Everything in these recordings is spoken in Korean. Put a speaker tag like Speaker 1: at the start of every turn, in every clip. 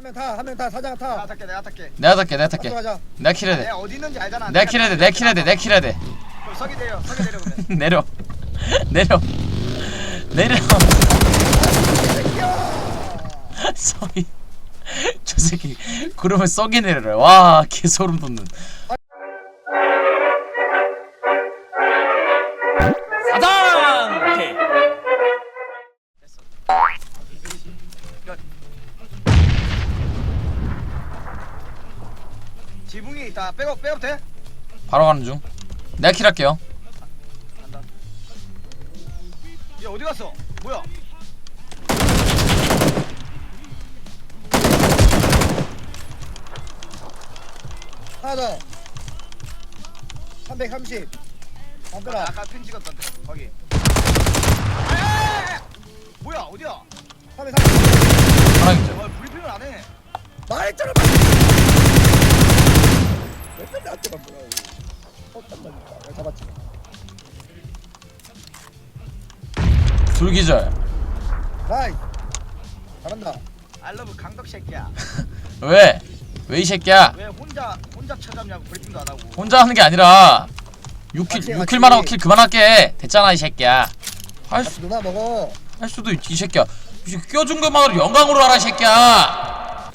Speaker 1: 한 명 타. 사장 타.
Speaker 2: 내가 탈게.
Speaker 3: 내가 탈게.
Speaker 1: 가자.
Speaker 3: 내가 킬해야 돼.
Speaker 2: 내가 어디 있는지 알잖아.
Speaker 3: 내가 킬해야 돼.
Speaker 2: 그럼 서기 내려 그러면.
Speaker 3: 내려. 썩이. 저 새끼 그러면 썩이 내려라. 와, 개소름 돋는. 사장! 오케이.
Speaker 2: 지붕이 있다. 백업 돼?
Speaker 3: 바로 가는 중. 내가 킬할게요.
Speaker 2: 간다. 얘 어디 갔어? 뭐야?
Speaker 1: 하나 더. 330. 안들아.
Speaker 2: 아까 핀 찍었던데. 거기. 뭐야? 어디야?
Speaker 1: 330.
Speaker 3: 하나 있죠.
Speaker 2: 와, 브리핑을 안 해.
Speaker 1: 말했잖아. 왜 맨날 나한테만 뭐라고. 잠깐만요. 내가 잡았지.
Speaker 3: 둘기절.
Speaker 1: 나이. 잘한다.
Speaker 2: 알러브 강덕 새끼야.
Speaker 3: 왜 이 새끼야?
Speaker 2: 왜 혼자 찾았냐고 브리핑도 안 하고.
Speaker 3: 혼자 하는 게 아니라 6킬
Speaker 1: 같이.
Speaker 3: 6킬만 하고 킬 그만할게. 됐잖아 이 새끼야.
Speaker 1: 같이 누나 먹어.
Speaker 3: 할 수도 있지 이 새끼야. 이 껴준 것만으로 영광으로 하라 이 새끼야.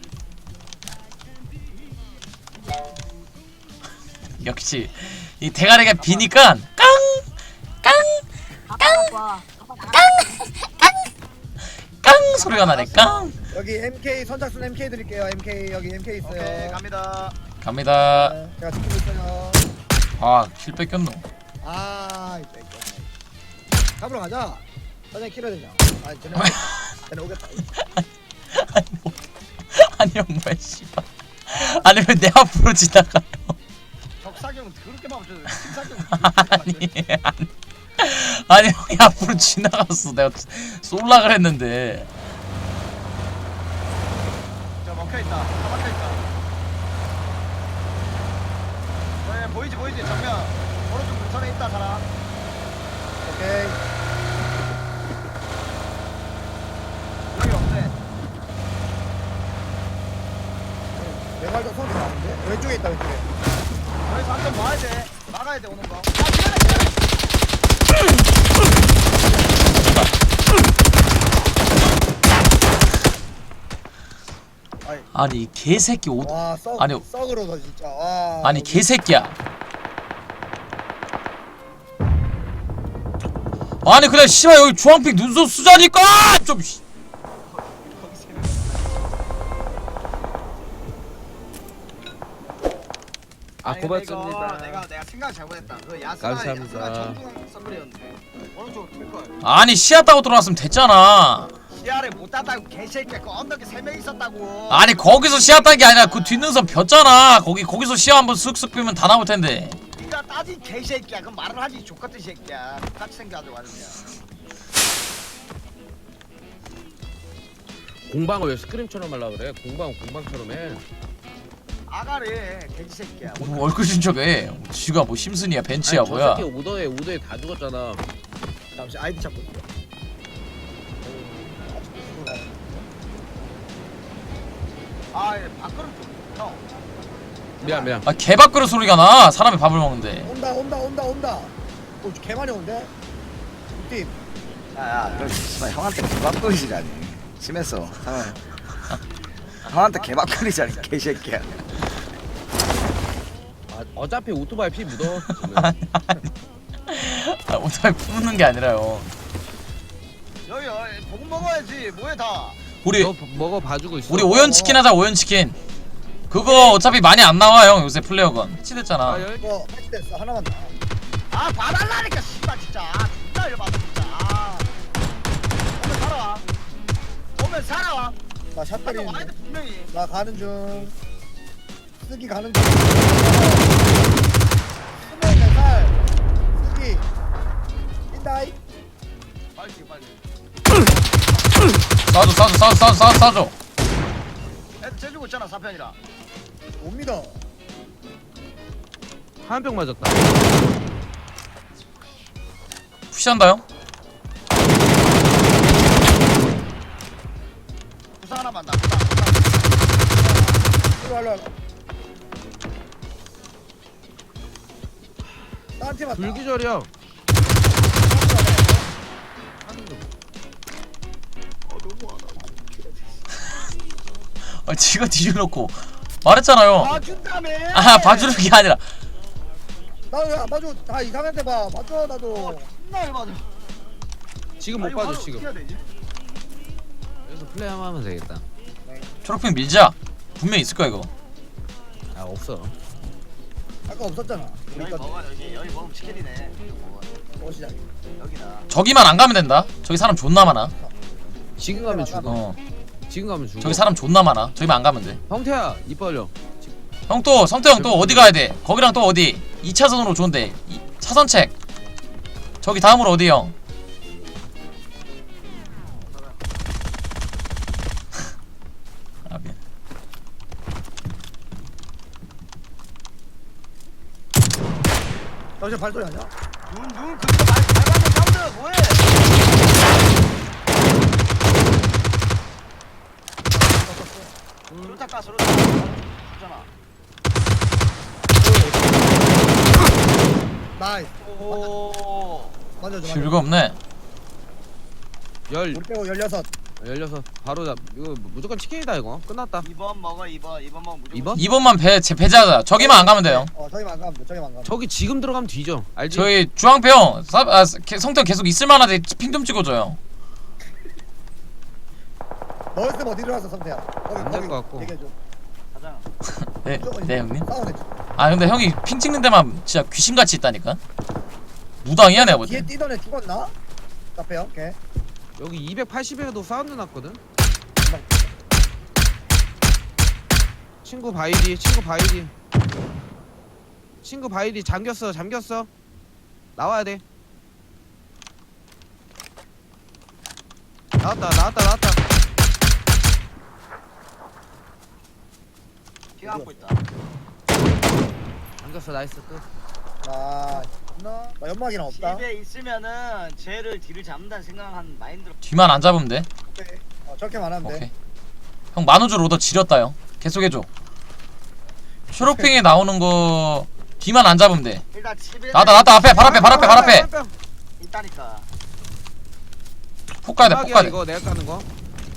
Speaker 3: 역시 이 대가리가 비니까 깡 소리가 나네. 깡.
Speaker 1: 여기 MK 선착순 MK 드릴게요. MK 여기 MK 있어요.
Speaker 2: 오케이 갑니다.
Speaker 3: 갑니다.
Speaker 1: 네, 제가 지키고 있어요.
Speaker 3: 아킬 뺏겼노.
Speaker 1: 아, 이 뺏겼네. 잡으러 가자. 사장님 킬해야 되냐? 아, 쟤네 오겠다.
Speaker 3: 아니 형 뭐야 씨발. 아니 왜 내 앞으로 지나가요?
Speaker 2: 적사경은 그렇게 막 팀사경.
Speaker 3: 아니 형이 앞으로 지나갔어. 내가 쏠라 그랬는데.
Speaker 2: 저 먹혀있다. 다 막혀있다. 네, 보이지 정면. 오른쪽 문선에 있다 사람.
Speaker 1: 오케이.
Speaker 2: 여기 없네.
Speaker 1: 내발도 소리 나는데? 왼쪽에 있다 왼쪽에.
Speaker 2: 여기서 한 점 막아야 돼. 막아야 돼 오는 거. 기다려.
Speaker 3: 아니 이 개새끼 옷.
Speaker 1: 와, 썩.
Speaker 3: 아니.
Speaker 1: 썩으로서 진짜. 와.
Speaker 3: 아니 개새끼야. 아니 그냥 씨발 여기 주황빛 눈썹 쓰자니까 좀.
Speaker 4: 아
Speaker 2: 아니,
Speaker 4: 고맙습니다.
Speaker 2: 내가 생각 잘못했다. 그
Speaker 4: 감사합니다.
Speaker 2: 전동 선물이었는데 오른쪽으로 뺄 걸.
Speaker 3: 아니 시야 따고 들어왔으면 됐잖아.
Speaker 2: 시야를 못 땄다고 개새끼야. 그 언덕에 3명 있었다고.
Speaker 3: 아니 거기서 시야 딴 게 아니라 그 뒷눈썹 폈잖아. 거기서 시야 한번 쓱쓱 빼면 다 나올 텐데.
Speaker 2: 네가 따진 개새끼야. 그럼 말을 하지 족같은 새끼야. 같이 생겨가지고 말이야.
Speaker 4: 공방을 왜 스크림처럼 하려 그래? 공방처럼 해.
Speaker 2: 아가래 돼지 새끼야.
Speaker 3: 뭐 얼굴 진척해. 지가 뭐 심슨이야 벤츠야
Speaker 4: 아니,
Speaker 3: 뭐야.
Speaker 4: 저 새끼 오더에 다 죽었잖아.
Speaker 1: 잠시 아이디 찾고 있어.
Speaker 2: 아, 밥그릇 좀. 형.
Speaker 4: 미안.
Speaker 3: 아 개밥그릇 소리가 나. 사람이 밥을 먹는데.
Speaker 1: 온다. 오, 개 많이 온대. 팀.
Speaker 2: 야, 너 씨발 형한테 개밥그릇이라니. 심했어. 형한테 개밥그릇이라니 개새끼야.
Speaker 4: 아, 어차피 오토바이 피 묻어.
Speaker 3: 아, 오토바이 뿜는 게 아니라요.
Speaker 2: 여기 복 먹어야지. 뭐해 다.
Speaker 3: 우리
Speaker 4: 너 먹어 봐주고 있어.
Speaker 3: 우리 오연치킨 하자. 오연치킨. 그거 어차피 많이 안 나와 형. 요새 플레어건 해치됐잖아.
Speaker 4: 아, 여기
Speaker 1: 이거 패치됐어. 하나만 더.
Speaker 2: 아, 봐달라니까 씨발 진짜. 진짜 열받아 진짜. 오면 살아와.
Speaker 1: 나 샷
Speaker 2: 한명 와야
Speaker 1: 때리는데.
Speaker 2: 돼 분명히.
Speaker 1: 나 가는 중. 쓰기 가는 중. 24살. 쓰기. 인다이.
Speaker 2: 빨리 빨리.
Speaker 3: 싸줘.
Speaker 2: 애들 재주고 있잖아 4편이라.
Speaker 1: 못 믿어.
Speaker 4: 한 병 맞았다.
Speaker 3: 푸시한다 형.
Speaker 2: 부상 하나만 나. 부상.
Speaker 1: 딴팀 왔다.
Speaker 4: 불기절이야.
Speaker 3: 아 지가 뒤질놓고 말했잖아요.
Speaker 2: 봐준다며.
Speaker 3: 아 봐주는 게 아니라
Speaker 1: 나왜안 봐줘? 다 이상한데 봐. 봐줘 나도.
Speaker 2: 존나 열받아.
Speaker 4: 지금 못
Speaker 2: 아니,
Speaker 4: 봐줘
Speaker 2: 화를
Speaker 4: 지금.
Speaker 2: 어떻게 해야 되지?
Speaker 4: 여기서 플레이 한번 하면 되겠다.
Speaker 3: 초록핑 밀자. 분명 있을 거야 이거.
Speaker 4: 아 없어.
Speaker 1: 아까 없었잖아. 우리
Speaker 2: 여기
Speaker 1: 거
Speaker 2: 먹어 여기 먹으면 치킨이네.
Speaker 1: 시작.
Speaker 2: 여기나.
Speaker 3: 저기만 안 가면 된다. 저기 사람 존나 많아.
Speaker 4: 지금 가면 죽어.
Speaker 3: 어
Speaker 4: 지금 가면 죽어.
Speaker 3: 저기 사람 존나 많아. 저기만 안 가면 돼.
Speaker 4: 형태야 입 벌려.
Speaker 3: 형 또 성태 형 또 어디 가야 돼? 거기랑 또 어디? 2차선으로 좋은데. 차선책. 저기 다음으로 어디 형? 아 미안.
Speaker 1: 너 지금 발소리 아니야?
Speaker 2: 눈 그거 말하는 사운드 뭐해? 수류탄 까 수류탄. 잖아.
Speaker 1: 나이스.
Speaker 2: 오.
Speaker 1: 만져줘.
Speaker 3: 필요가 없네.
Speaker 4: 열
Speaker 1: 우리 빼고 16.
Speaker 4: 16 바로 잡. 이거 무조건 치킨이다 이거. 끝났다.
Speaker 2: 2번 먹어 2번 먹으면 무조건.
Speaker 4: 2번?
Speaker 3: 2번만 배제하자. 저기만 안 가면 돼요.
Speaker 1: 저기만 안 가면 돼. 저기만 안 가면 돼.
Speaker 4: 저기 지금 들어가면 뒤져. 알지?
Speaker 3: 저희 주황패 형 성태 형 계속 있을만한데 핑 좀 찍어줘요.
Speaker 1: 너 있으면 어디 들어갔어 성태야?
Speaker 4: 안될것 같고.
Speaker 1: 얘기해줘.
Speaker 2: 가자.
Speaker 3: 네, 네 형님.
Speaker 1: 싸우네.
Speaker 3: 아 근데 형이 핑 찍는 데만 진짜 귀신같이 있다니까. 무당이야 내가 볼
Speaker 1: 뒤에
Speaker 3: 때.
Speaker 1: 뛰던 애 죽었나? 카페 형. 걔.
Speaker 4: 여기 280에도 사운드 났거든. 친구 바이디, 친구 바이디. 친구 바이디 잠겼어, 잠겼어. 나와야 돼. 나왔다.
Speaker 2: 피가 안고 있다.
Speaker 4: 잠겼어, 나이스 끝.
Speaker 1: 나 연막이랑 없다.
Speaker 2: 집에 있으면은 쟤를 뒤를 잡는다는 생각한 마인드로.
Speaker 3: 뒤만 안 잡으면 돼.
Speaker 1: 오케이. 저렇게만 하면
Speaker 3: 오케이.
Speaker 1: 돼.
Speaker 3: 형 만우절 오더 지렸다 형. 계속해줘. 초록핑에 나오는 거 뒤만 안 잡으면 돼.
Speaker 2: 일단 집에.
Speaker 3: 나왔다 앞에 발 앞에.
Speaker 2: 있다니까.
Speaker 3: 폭 가야 돼. 폭 가야 돼.
Speaker 4: 이거 내가 까는 거.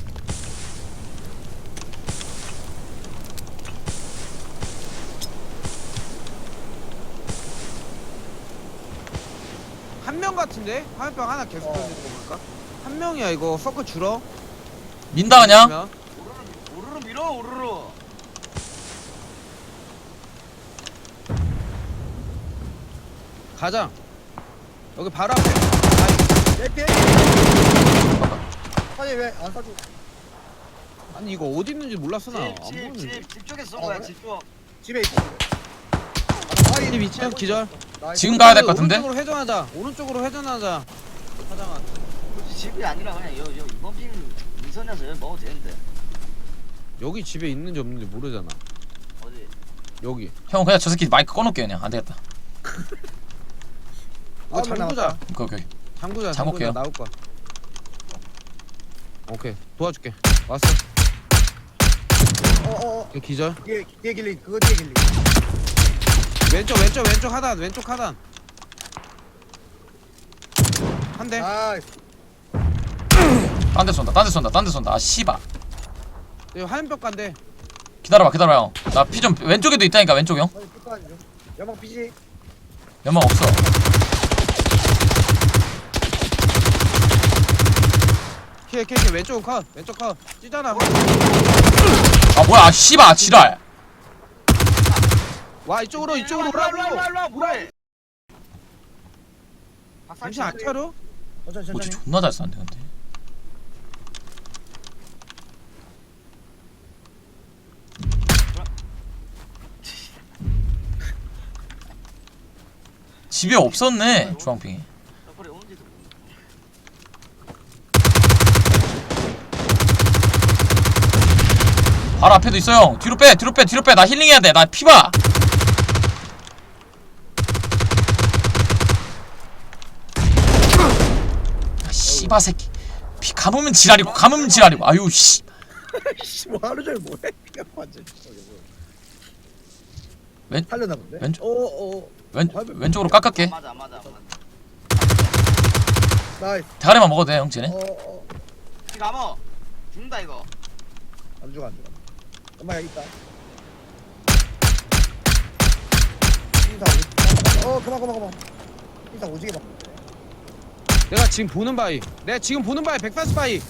Speaker 4: 한 명 같은데? 화염병 하나 계속 던지는 거 볼까? 한 명이야 이거. 서클 줄어.
Speaker 3: 민다 그냥.
Speaker 2: 오르르 밀어 오르르.
Speaker 4: 가자. 여기 바로 앞에.
Speaker 1: 얘 아니 왜 안 사줘?
Speaker 4: 아니 이거 어디 있는지 몰랐어 나. 안 보이는데.
Speaker 2: 집 쪽에 쏜 거야
Speaker 1: 그래?
Speaker 2: 집 쪽.
Speaker 1: 집에 있어.
Speaker 4: 이 위치야 기절.
Speaker 3: 지금 가야 될 것 같은데?
Speaker 4: 오른쪽으로 회전하자. 오른쪽으로 회전하자. 사장아.
Speaker 2: 굳이 집이 아니라 그냥 여 이번 핑 이선에서 여기 먹어도 되는데.
Speaker 4: 여기 집에 있는지 없는지 모르잖아.
Speaker 2: 어디?
Speaker 4: 여기.
Speaker 3: 형 그냥 저 새끼 마이크 꺼놓게 그냥 안 되겠다.
Speaker 4: 이거 잠그자.
Speaker 3: 오케이.
Speaker 4: 잠그자.
Speaker 3: 잠글게요.
Speaker 4: 나올 거야. 오케이. 도와줄게. 왔어. 이거 기절.
Speaker 1: 뒤에 길리 그거 뒤에 길리.
Speaker 4: 왼쪽 하단. 왼쪽 하단. 한 대.
Speaker 1: 나이스.
Speaker 3: 딴 데 쏜다. 아 씨발.
Speaker 4: 이거 화염병 간대.
Speaker 3: 기다려봐 형. 나 피 좀 왼쪽에도 있다니까 왼쪽 형.
Speaker 1: 아니 끝까지 좀. 연막 피지.
Speaker 3: 연막 없어.
Speaker 4: 키 왼쪽 컷. 왼쪽 컷. 찌잖아.
Speaker 3: 아 뭐야 아 씨발 지랄.
Speaker 4: 와 이쪽으로
Speaker 2: 일로 와, 뭐해?
Speaker 4: 잠시 앞차로.
Speaker 1: 천천히
Speaker 3: 뭐지
Speaker 1: 천천히.
Speaker 3: 존나 잘 쐈는데 근데. 집에 없었네 주황핑이.
Speaker 2: 서클이 오는지도 모르겠네.
Speaker 3: 바로 앞에도 있어 형. 뒤로 빼. 나 힐링해야 돼. 나 피봐. 아, 씨바 새끼. 피 감으면 지랄이고 아유 씨.
Speaker 1: 뭐 하루 종일 뭐해? 완전. 살렸나 본데.
Speaker 3: 왼쪽.
Speaker 1: 오오.
Speaker 3: 왼쪽으로 깎을게.
Speaker 2: 맞아 맞아.
Speaker 1: 나이스.
Speaker 3: 대가리만 먹어도 돼 형 쟤네.
Speaker 1: 어어.
Speaker 2: 이 감어. 죽는다 이거.
Speaker 1: 안 죽어. 엄마 여기 있다. 인사 오. 그만. 인사 오지게 봐.
Speaker 4: 내가 지금 보는 바위 140 바위.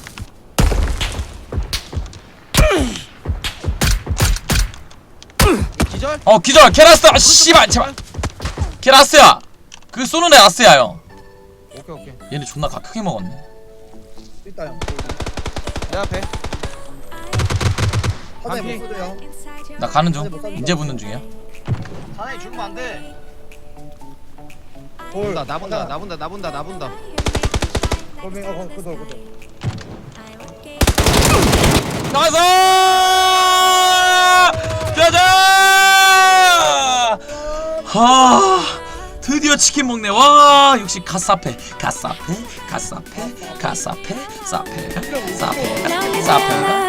Speaker 4: 기절?
Speaker 3: 기절 캐라스. 아 씨발 제발. 캐라스야. 그 쏘는 애 라스야 형.
Speaker 4: 오케이.
Speaker 3: 얘네 존나 크게 먹었네.
Speaker 1: 있다 형.
Speaker 4: 내 앞에.
Speaker 1: 사장님
Speaker 4: 반피.
Speaker 1: 못 쏘죠 형.
Speaker 3: 나 가는 중. 이제 붙는 중이야.
Speaker 2: 사장님 죽으면 안 돼.
Speaker 1: 돌.
Speaker 4: 나 본다.
Speaker 1: 돌멩이 그돌.
Speaker 3: 나이스! 가자! 드디어 치킨 먹네. 와 역시 가사페. 사페가